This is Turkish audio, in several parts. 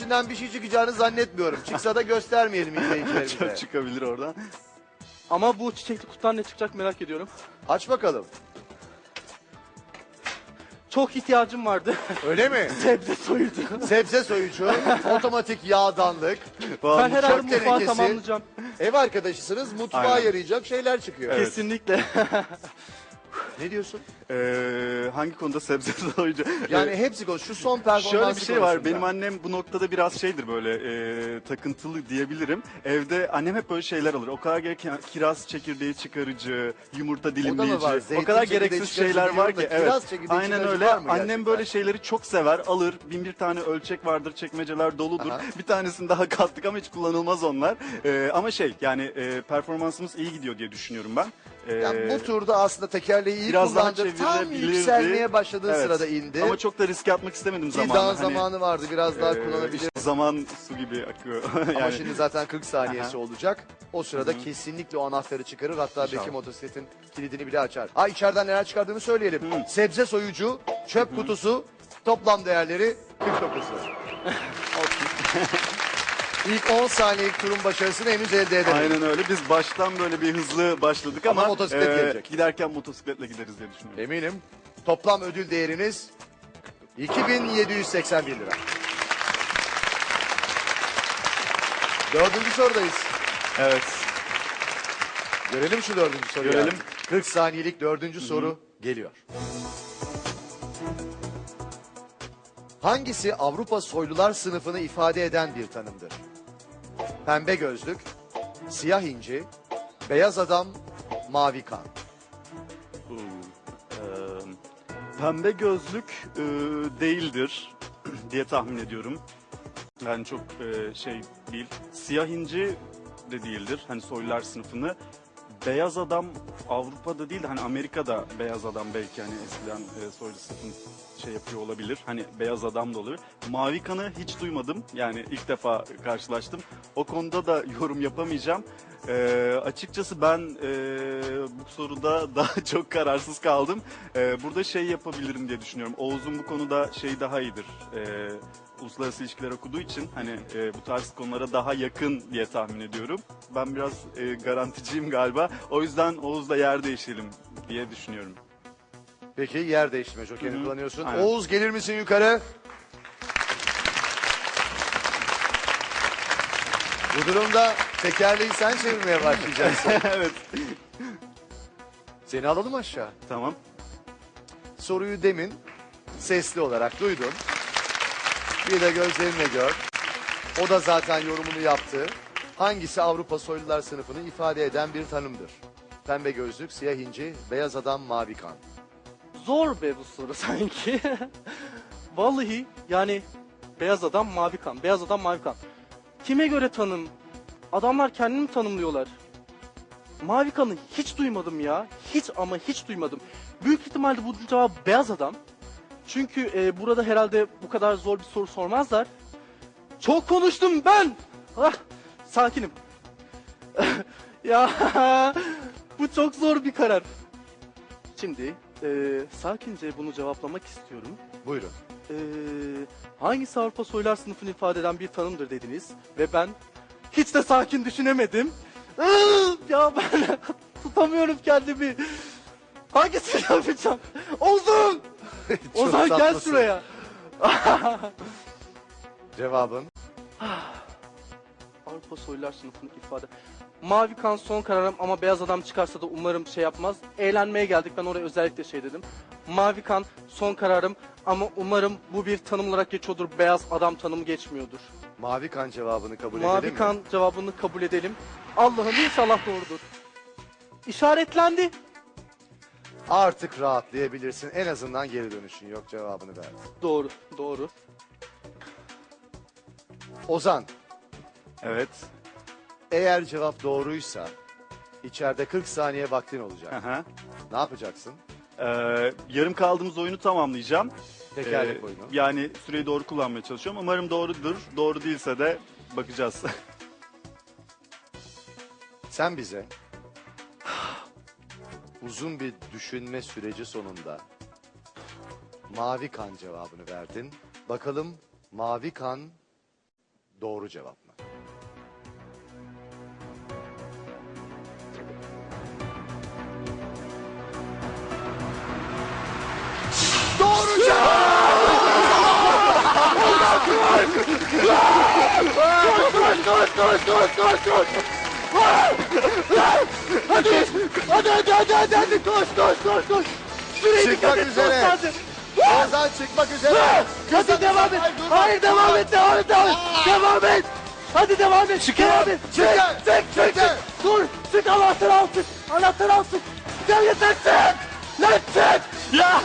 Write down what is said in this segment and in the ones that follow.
içinden bir şey çıkacağını zannetmiyorum. Çıksa da göstermeyelim izleyicilerimize. Çok çıkabilir oradan. Ama bu çiçekli kutudan ne çıkacak merak ediyorum. Aç bakalım. Çok ihtiyacım vardı. Öyle mi? Sebze soyucu. Sebze soyucu, otomatik yağdanlık, Ben herhalde çöp mutfağı tenekesi. tamamlayacağım. Ev arkadaşısınız, mutfağa Aynen. yarayacak şeyler çıkıyor. Evet. Kesinlikle. Ne diyorsun? Hangi konuda sebze soyucu? Yani hepsi konuş. Şu son performansı Şöyle bir şey var. konusunda. Benim annem bu noktada biraz şeydir böyle takıntılı diyebilirim. Evde annem hep böyle şeyler alır. O kadar gereken kiraz çekirdeği çıkarıcı, yumurta dilimleyici. var. O Zeytin kadar çekirdeği gereksiz çıkarıcı şeyler var biliyorum ki. da kiraz çekirdeği Aynen çıkarıcı öyle. var mı Annem gerçekten? böyle şeyleri çok sever. Alır. Bin bir tane ölçek vardır. Çekmeceler doludur. Aha. Bir tanesini daha kattık ama hiç kullanılmaz onlar. Ama yani performansımız iyi gidiyor diye düşünüyorum ben. Yani bu turda aslında tekerleği iyi biraz daha kullandı. Tam çevirebilirdi. yükselmeye başladığı Evet. sırada indi. Ama çok da riske atmak istemedim Ki zamanla. daha Hani, zamanı vardı. Biraz daha kullanabilir. işte zaman su gibi akıyor. Ama şimdi zaten 40 saniyesi Aha. olacak. O sırada kesinlikle o anahtarı çıkarır. Hatta İnşallah. belki motosikletin kilidini bile açar. Ha, içeriden neler çıkardığını söyleyelim. Sebze soyucu, çöp kutusu, toplam değerleri 49 lira. İlk 10 saniyelik turun başarısını henüz elde edemedik. Aynen öyle. Biz baştan böyle bir hızlı başladık Ama ama, motosiklet gelecek. giderken motosikletle gideriz diye düşünüyorum. Eminim. Toplam ödül değeriniz 2781 lira. Dördüncü sorudayız. Evet. Görelim şu dördüncü soruyu. Görelim. 40 saniyelik dördüncü soru geliyor. Hangisi Avrupa soylular sınıfını ifade eden bir tanımdır? Pembe gözlük, siyah inci, beyaz adam, mavi kan. Pembe gözlük değildir diye tahmin ediyorum. Yani çok şey değil. Siyah inci de değildir. Hani soylular sınıfını. Beyaz adam Avrupa'da değil de hani Amerika'da beyaz adam belki hani eskiden soylu sınıfın şey yapıyor olabilir. Hani beyaz adam da olabilir. Mavi kanı hiç duymadım. Yani ilk defa karşılaştım. O konuda da yorum yapamayacağım. Açıkçası ben bu soruda daha çok kararsız kaldım. Burada şey yapabilirim diye düşünüyorum. Oğuz'un bu konuda şey daha iyidir. Uluslararası ilişkiler okuduğu için hani bu tarz konulara daha yakın diye tahmin ediyorum. Ben biraz garanticiyim galiba. O yüzden Oğuz'la yer değişelim diye düşünüyorum. Peki yer değiştirme jokerini kullanıyorsun. Aynen. Oğuz gelir misin yukarı? Bu durumda tekerleği sen çevirmeye başlayacaksın. Evet. Seni alalım aşağı. Tamam. Soruyu demin sesli olarak duydun. Bir de gözlerinle gör. O da zaten yorumunu yaptı. Hangisi Avrupa soylular sınıfını ifade eden bir tanımdır? Pembe gözlük, siyah inci, beyaz adam, mavi kan. Zor be bu soru sanki. Vallahi yani beyaz adam mavi kan. Beyaz adam mavi kan. Kime göre tanım? Adamlar kendini mi tanımlıyorlar? Mavi kanı hiç duymadım ya. Hiç ama hiç duymadım. Büyük ihtimalle bu cevap beyaz adam. Çünkü burada herhalde bu kadar zor bir soru sormazlar. Çok konuştum ben. Ah, sakinim. Ya bu çok zor bir karar. Şimdi sakince bunu cevaplamak istiyorum. Buyurun. Hangisi Avrupa soylular sınıfını ifade eden bir tanımdır dediniz ve ben hiç de sakin düşünemedim. Ya ben tutamıyorum kendimi. Hangisini yapacağım? Ozan! Çok Ozan gel tatlısın. şuraya. Cevabın? Avrupa soylular sınıfını ifade. Mavi kan son kararım ama beyaz adam çıkarsa da umarım şey yapmaz. Eğlenmeye geldik, ben oraya özellikle şey dedim. Mavi kan son kararım ama umarım bu bir tanım olarak geçiyordur. Beyaz adam tanımı geçmiyordur. Mavi kan cevabını kabul edelim Mavi mi? kan cevabını kabul edelim. Allah'ım inşallah doğrudur. İşaretlendi. Artık rahatlayabilirsin. En azından geri dönüşün yok, cevabını verdi. Doğru, doğru. Ozan, Evet. eğer cevap doğruysa içeride 40 saniye vaktin olacak. Aha. Ne yapacaksın? Yarım kaldığımız oyunu tamamlayacağım. Tekerlek oyunu. Yani süreyi doğru kullanmaya çalışıyorum. Umarım doğrudur. Doğru değilse de bakacağız. Sen bize uzun bir düşünme süreci sonunda mavi kan cevabını verdin. Bakalım mavi kan doğru cevap mı? Doğru cevap! Hadi koş. Süreyi Çıkmak dikkat et, üzere. koş, hadi. Ozan çıkmak üzere. Hadi devam et. Hayır devam et. Devam et. Hadi devam et. Devam et. Çık. Dur. Çık anahtarı al çık. Gel yeter çık. Lan çık. Ya!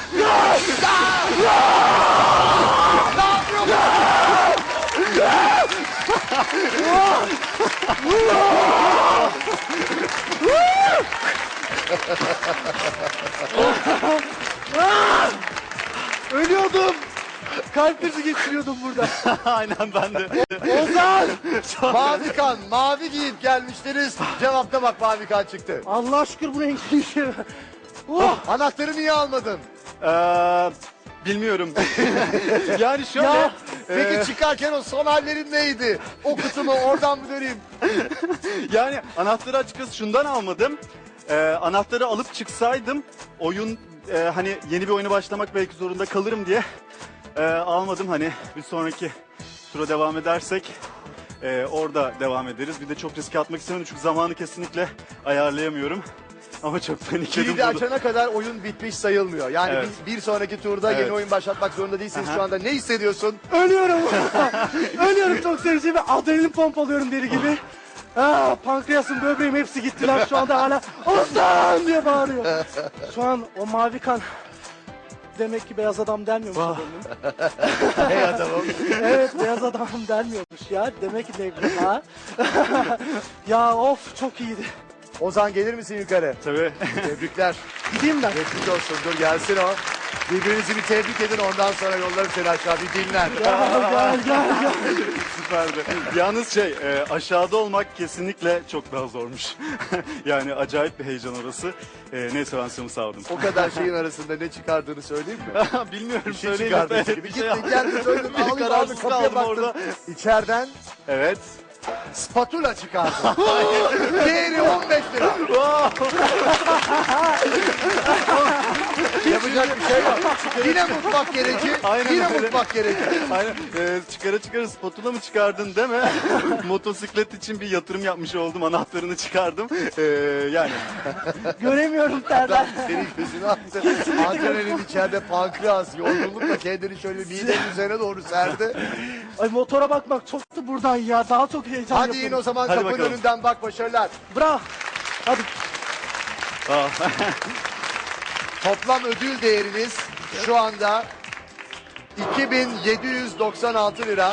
Ölüyordum. Kalp krizi geçiriyordum burada. Aynen ben de. Ozan. Mavi kan, mavi giyip gelmiştiniz. Cevapta bak mavi kan çıktı. Allah aşkına bu renkli şey. Oh. Anahtarı niye almadın? Bilmiyorum. Yani şöyle. Ya. Peki çıkarken o son hallerin neydi? O kutumu oradan mı döneyim? Yani anahtarı açıkçası şundan almadım. Anahtarı alıp çıksaydım oyun hani yeni bir oyuna başlamak belki zorunda kalırım diye almadım. Hani bir sonraki tura devam edersek orada devam ederiz. Bir de çok riske atmak istemedim çünkü zamanı kesinlikle ayarlayamıyorum. Ama çok panikledim. Kilidi açana kadar oyun bitmiş sayılmıyor. Yani Evet. bir sonraki turda Evet. yeni oyun başlatmak zorunda değilsiniz. Aha. Şu anda ne hissediyorsun? Ölüyorum. Ölüyorum çok sevinçli ve adrenalin pompalıyorum deli gibi. Pankreasım, böbreğim hepsi gittiler şu anda hala Ozan diye bağırıyor. Şu an o mavi kan demek ki beyaz adam denmiyormuş adamın. Hey adamım. Evet beyaz adam denmiyormuş ya. Demek ki ne ha? Ya of çok iyiydi. Ozan gelir misin yukarı? Tabii. Tebrikler. Gideyim ben. Geçmiş olsun. Dur gelsin o. Birbirinizi bir tebrik edin ondan sonra yolları seni aşağı bir dinlen. Gel. Süperdi. Yalnız aşağıda olmak kesinlikle çok daha zormuş. Yani acayip bir heyecan orası. Neyse ben seni sağladım. O kadar şeyin arasında ne çıkardığını söyleyeyim mi? Bilmiyorum Bir şey söyleyeyim. çıkardın Evet, seni. Bir bir şey gittin geldin söyledin. Bir Ağlayıp kararsız ağlayıp kapıya kaldım baktın. orada. İçeriden Evet. spatula çıkardın. Değeri 15 lira. Yapacak bir şey yok. Yine mutfak gereci. Aynen Yine öyle. mutfak gereci. Aynen. Çıkara spatula mı çıkardın deme. Motosiklet için bir yatırım yapmış oldum. Anahtarını çıkardım. Yani. Göremiyorum terden. Senin gözünü attı. Adrenalin içeride pankreas yorgunlukla kendini şöyle midenin üzerine doğru serdi. Ay motora bakmak çok da buradan ya. Daha çok heyecan Hadi yapıyorum. in o zaman Hadi kapının bakalım. önünden bak başarılar. Bravo. Hadi. Toplam ödül değeriniz şu anda 2796 lira.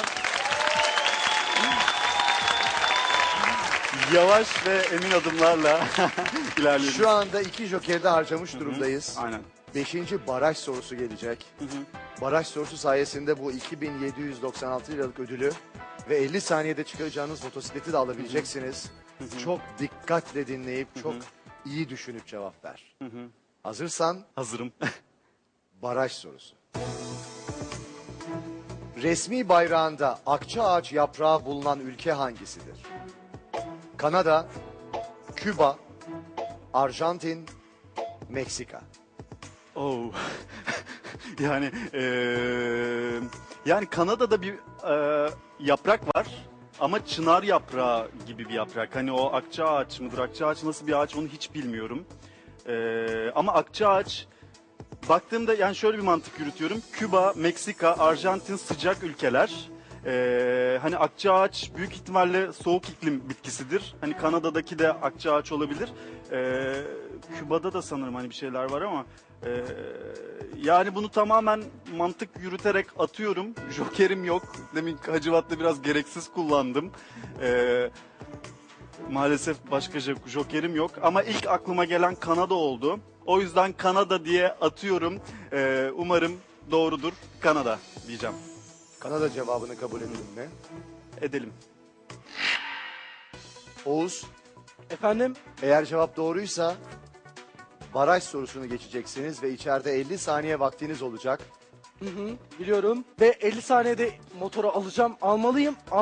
Yavaş ve emin adımlarla ilerliyoruz. Şu anda 2 jokerde harcamış durumdayız. Aynen. 5. baraj sorusu gelecek. Baraj sorusu sayesinde bu 2796 liralık ödülü ve 50 saniyede çıkaracağınız motosikleti de alabileceksiniz. Çok dikkatle dinleyip çok iyi düşünüp cevap ver. Hazırsan Hazırım. baraj sorusu. Resmi bayrağında akça ağaç yaprağı bulunan ülke hangisidir? Kanada, Küba, Arjantin, Meksika. Oh. Yani yani Kanada'da bir yaprak var ama çınar yaprağı gibi bir yaprak. Hani o akça ağaç mıdır? Akça ağaç nasıl bir ağaç onu hiç bilmiyorum. Ama akça ağaç baktığımda yani şöyle bir mantık yürütüyorum. Küba, Meksika, Arjantin sıcak ülkeler. Hani akça ağaç büyük ihtimalle soğuk iklim bitkisidir. Hani Kanada'daki de akça ağaç olabilir. Küba'da da sanırım hani bir şeyler var ama yani bunu tamamen mantık yürüterek atıyorum. Jokerim yok. Demin Hacivat'ta biraz gereksiz kullandım. Maalesef başka jokerim yok. Ama ilk aklıma gelen Kanada oldu. O yüzden Kanada diye atıyorum. Umarım doğrudur. Kanada diyeceğim. Kanada cevabını kabul edelim mi? Edelim. Oğuz, Efendim? eğer cevap doğruysa baraj sorusunu geçeceksiniz ve içeride 50 saniye vaktiniz olacak. Biliyorum. Ve 50 saniyede motoru alacağım. Almalıyım.